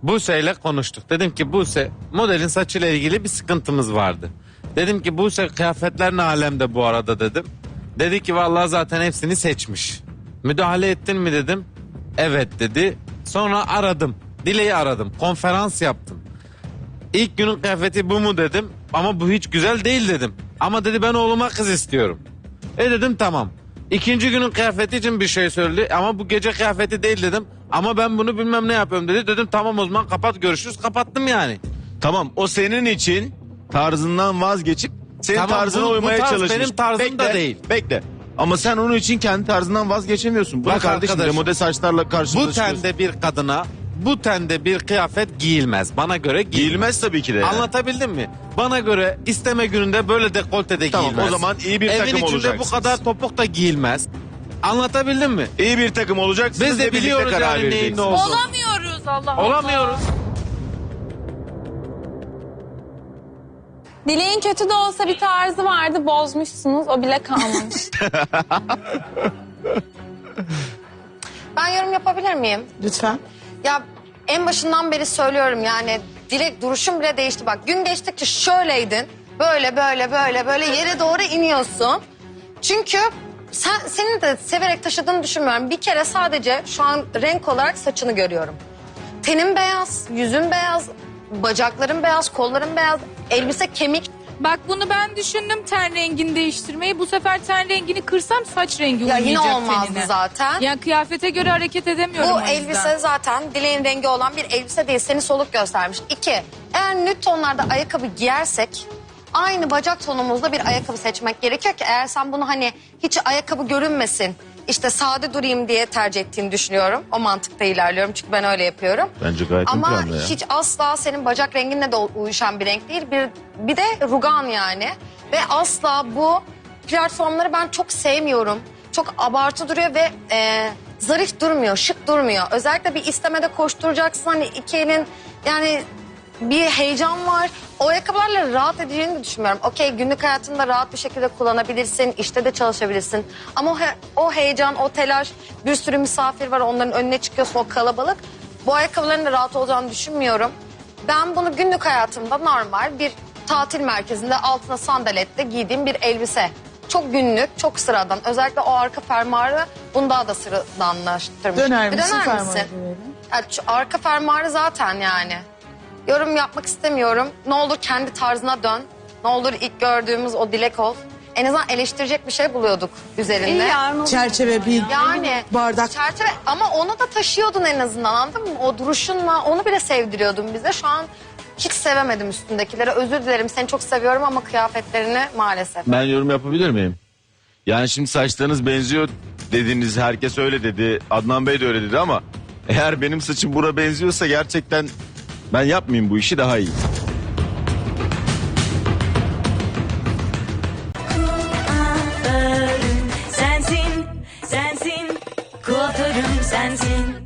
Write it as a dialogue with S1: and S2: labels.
S1: Buse'yle konuştuk. Dedim ki Buse, modelin saçıyla ilgili bir sıkıntımız vardı. Dedim ki Buse, kıyafetler ne alemde bu arada dedim. Dedi ki vallahi zaten hepsini seçmiş. Müdahale ettin mi dedim. Evet dedi. Sonra aradım. Dile'yi aradım. Konferans yaptım. İlk günün kıyafeti bu mu dedim. Ama bu hiç güzel değil dedim. Ama dedi ben oğluma kız istiyorum. Dedim tamam. İkinci günün kıyafeti için bir şey söyledi. Ama bu gece kıyafeti değil dedim. Ama ben bunu bilmem ne yapıyorum dedi. Dedim tamam o zaman kapat, görüşürüz. Kapattım yani.
S2: Tamam, o senin için tarzından vazgeçip senin
S1: Tamam,
S2: tarzına
S1: bu
S2: uymaya
S1: tarz
S2: çalışmış.
S1: benim tarzım da değil.
S2: Bekle. Ama sen onun için kendi tarzından vazgeçemiyorsun. Bak
S1: Bak
S2: kardeşim,
S1: arkadaş,
S2: demode saçlarla
S1: Bu
S2: karşılaşıyorsun.
S1: tende bir kadına bu tende bir kıyafet giyilmez. Bana göre
S2: Giyilmez tabii ki de. Yani.
S1: Anlatabildim mi? Bana göre isteme gününde böyle dekoltede
S2: Tamam,
S1: giyilmez.
S2: o zaman iyi bir
S1: Evin
S2: takım
S1: içinde
S2: olacaksınız.
S1: bu kadar topuk da giyilmez. Anlatabildim mi?
S2: İyi bir takım olacaksınız.
S1: Biz de
S2: ve birlikte
S1: biliyoruz
S2: karar
S1: yani neyin
S2: vereceksiniz.
S1: ne olduğunu.
S3: Olamıyoruz Allah Allah.
S1: Olamıyoruz.
S4: Dileğin kötü de olsa bir tarzı vardı, bozmuşsunuz. O bile kalmamış.
S5: Ben yorum yapabilir miyim?
S6: Lütfen.
S5: Ya en başından beri söylüyorum yani direkt duruşum bile değişti. Bak gün geçtikçe şöyleydin. Böyle böyle böyle böyle yere doğru iniyorsun. Çünkü senin de severek taşıdığını düşünmüyorum. Bir kere sadece şu an renk olarak saçını görüyorum. Tenin beyaz, yüzün beyaz, bacakların beyaz, kolların beyaz, elbise kemik.
S3: Bak bunu ben düşündüm ten rengini değiştirmeyi. Bu sefer ten rengini kırsam saç rengi
S5: Ya yine
S3: uymayacak
S5: olmazdı
S3: tenine.
S5: zaten.
S3: Yani kıyafete göre hareket edemiyorum
S5: Bu
S3: o yüzden.
S5: elbise zaten dileğin rengi olan bir elbise değil. Seni soluk göstermiş. 2. Eğer nüt tonlarda ayakkabı giyersek aynı bacak tonumuzda bir ayakkabı seçmek gerekiyor ki eğer sen bunu hani hiç ayakkabı görünmesin, işte sade durayım diye tercih ettiğini düşünüyorum. O mantıkta ilerliyorum çünkü ben öyle yapıyorum.
S2: Bence gayet
S5: Ama
S2: imkanlı ya.
S5: hiç asla senin bacak renginle de uyuşan bir renk değil. Bir de rugan yani. Ve asla bu platformları ben çok sevmiyorum. Çok abartı duruyor ve zarif durmuyor, şık durmuyor. Özellikle bir istemede koşturacaksın hani iki elin yani bir heyecan var. O ayakkabılarla rahat edeceğini de düşünmüyorum. Okey günlük hayatında rahat bir şekilde kullanabilirsin, işte de çalışabilirsin. Ama o heyecan, o telaş, bir sürü misafir var onların önüne çıkıyorsun o kalabalık. Bu ayakkabıların da rahat olacağını düşünmüyorum. Ben bunu günlük hayatımda normal bir tatil merkezinde altına sandaletle giydiğim bir elbise. Çok günlük, çok sıradan. Özellikle o arka fermuarı bunu daha da sıradanlaştırmış.
S6: Döner
S5: Bir
S6: misin
S5: döner
S6: fermuarı
S5: misin?
S6: görelim?
S5: Ya şu arka fermuarı zaten yani. Yorum yapmak istemiyorum. Ne olur kendi tarzına dön. Ne olur ilk gördüğümüz o dilek ol. En azından eleştirecek bir şey buluyorduk üzerinde.
S6: Çerçeve bir
S5: Yani
S6: bardak.
S5: çerçeve ama onu da taşıyordun en azından anladın mı? O duruşunla onu bile sevdiriyordun bize. Şu an hiç sevemedim üstündekileri. Özür dilerim seni çok seviyorum ama kıyafetlerini maalesef.
S2: Ben yorum yapabilir miyim? Yani şimdi saçlarınız benziyor dediniz, herkes öyle dedi. Adnan Bey de öyle dedi ama eğer benim saçım bura benziyorsa gerçekten ben yapmayayım bu işi, daha iyi.
S7: Sensin, sensin, kuaförüm sensin.